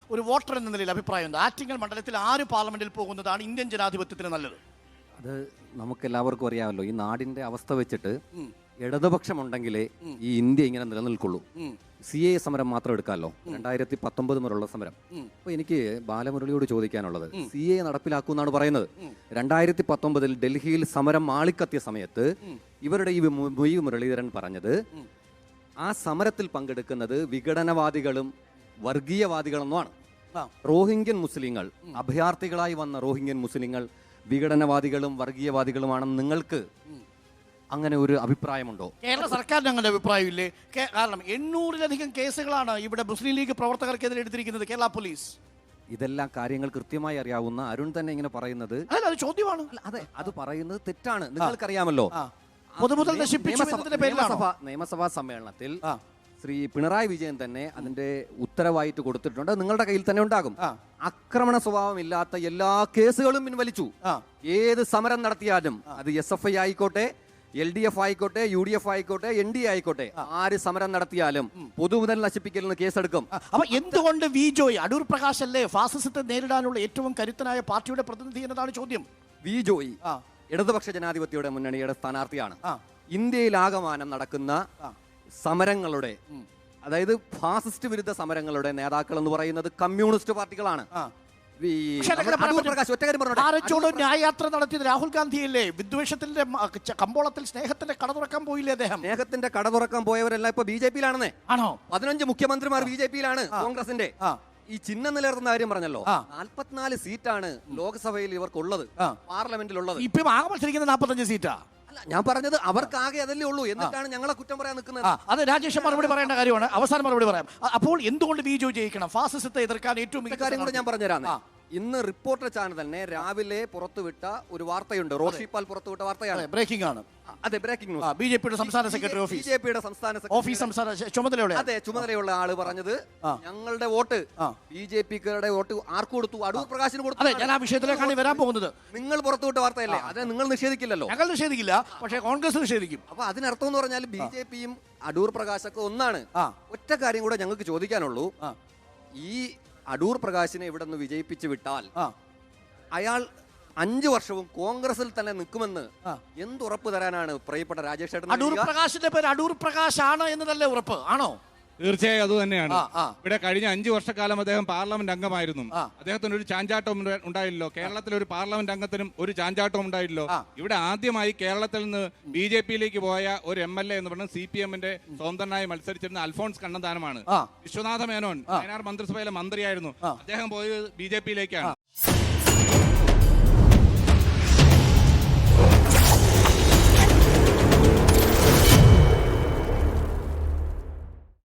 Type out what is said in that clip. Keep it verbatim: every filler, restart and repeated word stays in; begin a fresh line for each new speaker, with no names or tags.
ഒരു വോട്ടർ എന്ന നിലയിൽ അഭിപ്രായം എന്താ? ആറ്റിങ്ങൽ മണ്ഡലത്തിൽ ആര് പാർലമെന്റിൽ പോകുന്നതാണ് ഇന്ത്യൻ ജനാധിപത്യത്തിന് നല്ലത്?
അത് നമുക്ക് എല്ലാവർക്കും അറിയാമല്ലോ. ഈ നാടിന്റെ അവസ്ഥ വെച്ചിട്ട് ഇടതുപക്ഷമുണ്ടെങ്കിലേ ഈ ഇന്ത്യ ഇങ്ങനെ നിലനിൽക്കുള്ളൂ. സി എ സമരം മാത്രം എടുക്കാമല്ലോ, രണ്ടായിരത്തി പത്തൊമ്പത് മുതലുള്ള സമരം. അപ്പൊ എനിക്ക് ബാലമുരളിയോട് ചോദിക്കാനുള്ളത്, സി എ നടപ്പിലാക്കുമെന്നാണ് പറയുന്നത്. രണ്ടായിരത്തി പത്തൊമ്പതിൽ ഡൽഹിയിൽ സമരം ആളിക്കത്തിയ സമയത്ത് ഇവരുടെ ഈ മൊയ് മുരളീധരൻ പറഞ്ഞത് ആ സമരത്തിൽ പങ്കെടുക്കുന്നത് വിഘടനവാദികളും വർഗീയവാദികളെന്നുമാണ്. റോഹിംഗ്യൻ മുസ്ലിങ്ങൾ, അഭയാർത്ഥികളായി വന്ന റോഹിംഗ്യൻ മുസ്ലിങ്ങൾ വിഘടനവാദികളും വർഗീയവാദികളുമാണെന്ന് നിങ്ങൾക്ക് അങ്ങനെ ഒരു അഭിപ്രായമുണ്ടോ?
കേരള സർക്കാരിന് അങ്ങനെ അഭിപ്രായമില്ലേ? കാരണം എണ്ണൂറിലധികം കേസുകളാണ് ഇവിടെ മുസ്ലിം ലീഗ് പ്രവർത്തകർക്കെതിരെ എടുത്തിരിക്കുന്നത് കേരള പോലീസ്.
ഇതെല്ലാം കാര്യങ്ങൾ കൃത്യമായി അറിയാവുന്ന അരുൺ തന്നെ ഇങ്ങനെ പറയുന്നത്
അത് ചോദ്യമാണ്.
അതെ, അത് പറയുന്നത് തെറ്റാണ്. നിങ്ങൾക്കറിയാമല്ലോ,
പൊതുമുതൽ
നിയമസഭാ സമ്മേളനത്തിൽ ശ്രീ പിണറായി വിജയൻ തന്നെ അതിന്റെ ഉത്തരവായിട്ട് കൊടുത്തിട്ടുണ്ട്. നിങ്ങളുടെ കയ്യിൽ തന്നെ ഉണ്ടാകും. ആക്രമണ സ്വഭാവം ഇല്ലാത്ത എല്ലാ കേസുകളും പിൻവലിച്ചു. ഏത് സമരം നടത്തിയാലും അത് എസ് എഫ് ഐ ആയിക്കോട്ടെ, എൽ ഡി എഫ് ആയിക്കോട്ടെ, യു ഡി എഫ് ആയിക്കോട്ടെ, എൻ ഡി എ ആയിക്കോട്ടെ, ആര് സമരം നടത്തിയാലും പൊതുമുതൽ നശിപ്പിക്കലിന് കേസെടുക്കും.
അപ്പൊ എന്തുകൊണ്ട് വി ജോയ്, അടൂർ പ്രകാശ് അല്ലേ ഫാസിസത്തെ നേരിടാനുള്ള ഏറ്റവും കരുത്തനായ പാർട്ടിയുടെ പ്രതിനിധി എന്നതാണ് ചോദ്യം.
വി ജോയ് ഇടതുപക്ഷ ജനാധിപത്യയുടെ മുന്നണിയുടെ സ്ഥാനാർത്ഥിയാണ്. ഇന്ത്യയിലാകമാനം നടക്കുന്ന സമരങ്ങളുടെ, അതായത് ഫാസിസ്റ്റ് വിരുദ്ധ സമരങ്ങളുടെ നേതാക്കൾ എന്ന് പറയുന്നത് കമ്മ്യൂണിസ്റ്റ് പാർട്ടികളാണ്.
ന്യായയാത്ര നടത്തിയത് രാഹുൽ ഗാന്ധിയല്ലേ? വിദ്വേഷത്തിന്റെ കമ്പോളത്തിൽ സ്നേഹത്തിന്റെ കട തുറക്കാൻ പോയില്ലേ അദ്ദേഹം?
സ്നേഹത്തിന്റെ കട തുറക്കാൻ പോയവരെല്ലാം ഇപ്പൊ ബി ജെ പിയിലാണെന്നേ.
ആണോ?
പതിനഞ്ച് മുഖ്യമന്ത്രിമാർ ബി ജെ പിയിലാണ്, കോൺഗ്രസിന്റെ. ഈ ചിഹ്നം നിലനിർത്തുന്ന കാര്യം പറഞ്ഞല്ലോ, നാൽപ്പത്തിനാല് സീറ്റാണ് ലോക്സഭയിൽ ഇവർക്കുള്ളത്, പാർലമെന്റിലുള്ളത്.
ഇപ്പം ആകെ മത്സരിക്കുന്നത് നാൽപ്പത്തഞ്ച് സീറ്റാ.
അല്ല, ഞാൻ പറഞ്ഞത് അവർക്കാകെ അതല്ലേ ഉള്ളൂ. എന്നിട്ടാണ് ഞങ്ങളെ കുറ്റം പറയാൻ നിൽക്കുന്നത്.
അത് രാജേഷ് മറുപടി പറയേണ്ട കാര്യമാണ്. അവസാനം മറുപടി പറയാം. അപ്പോൾ എന്തുകൊണ്ട് ബി ജെ പി ജയിക്കണം? ഫാസിസത്തെ എതിർക്കാൻ ഏറ്റവും മികച്ച
കാര്യം കൂടെ ഞാൻ പറഞ്ഞുതരാം. ഇന്ന് റിപ്പോർട്ടർ ചാനൽ തന്നെ രാവിലെ പുറത്തുവിട്ട ഒരു വാർത്തയുണ്ട്. റോഷി പാൽ പുറത്തുവിട്ട വാർത്തയാണ്.
ബ്രേക്കിംഗ് ആണ്.
അതെ, ബ്രേക്കിംഗ് ന്യൂസ്.
ബി ജെ പിയുടെ സംസ്ഥാന സെക്രട്ടറി ഓഫീസ്,
ബി ജെ പിയുടെ സംസ്ഥാന
ഓഫീസ് സംസ്ഥാന ചുമതലയുള്ള
അതെ ചുമതലയുള്ള ആള് പറഞ്ഞത്, ഞങ്ങളുടെ വോട്ട് ബി ജെ പിക്കാരുടെ വോട്ട് ആർക്ക് കൊടുത്തു? അടൂർ പ്രകാശിന് കൊടുത്തു.
അതെ, ഞാൻ ആ വിഷയത്തിലേക്കാണ് വരാൻ പോകുന്നത്.
നിങ്ങൾ പുറത്തുവിട്ട വാർത്തയല്ലേ, അത് നിങ്ങൾ നിഷേധിക്കില്ലല്ലോ.
ഞങ്ങൾ നിഷേധിക്കില്ല, പക്ഷേ കോൺഗ്രസ് നിഷേധിക്കും.
അപ്പൊ അതിനർത്ഥം എന്ന് പറഞ്ഞാൽ ബി ജെ പിയും അടൂർ പ്രകാശൊക്കെ ഒന്നാണ്. ഒറ്റ കാര്യം കൂടെ ഞങ്ങൾക്ക് ചോദിക്കാനുള്ളൂ, ഈ അടൂർ പ്രകാശിനെ ഇവിടെ നിന്ന് വിജയിപ്പിച്ചു വിട്ടാൽ അയാൾ അഞ്ചു വർഷവും കോൺഗ്രസിൽ തന്നെ നിൽക്കുമെന്ന് എന്തുറപ്പ് തരാനാണ് പ്രിയപ്പെട്ട രാജേഷ് ചേട്ടൻ?
അടൂർ പ്രകാശിന്റെ പേര് അടൂർ പ്രകാശ് ആണ് എന്നതല്ലേ ഉറപ്പ്? ആണോ?
തീർച്ചയായും അത് തന്നെയാണ്. ഇവിടെ കഴിഞ്ഞ അഞ്ചു വർഷക്കാലം അദ്ദേഹം പാർലമെന്റ് അംഗമായിരുന്നു. അദ്ദേഹത്തിന് ഒരു ചാഞ്ചാട്ടം ഉണ്ടായില്ലോ. കേരളത്തിലെ ഒരു പാർലമെന്റ് അംഗത്തിനും ഒരു ചാഞ്ചാട്ടം ഉണ്ടായില്ലോ. ഇവിടെ ആദ്യമായി കേരളത്തിൽ നിന്ന് ബി ജെ പിയിലേക്ക് പോയ ഒരു എം എൽ എ എന്ന് പറഞ്ഞാൽ സി പി എമ്മിന്റെ സ്വതന്ത്രനായി മത്സരിച്ചിരുന്ന അൽഫോൺസ് കണ്ണന്താനമാണ്. വിശ്വനാഥ മേനോൻ വയനാട് മന്ത്രിസഭയിലെ മന്ത്രിയായിരുന്നു. അദ്ദേഹം പോയത് ബി ജെ പിയിലേക്കാണ്.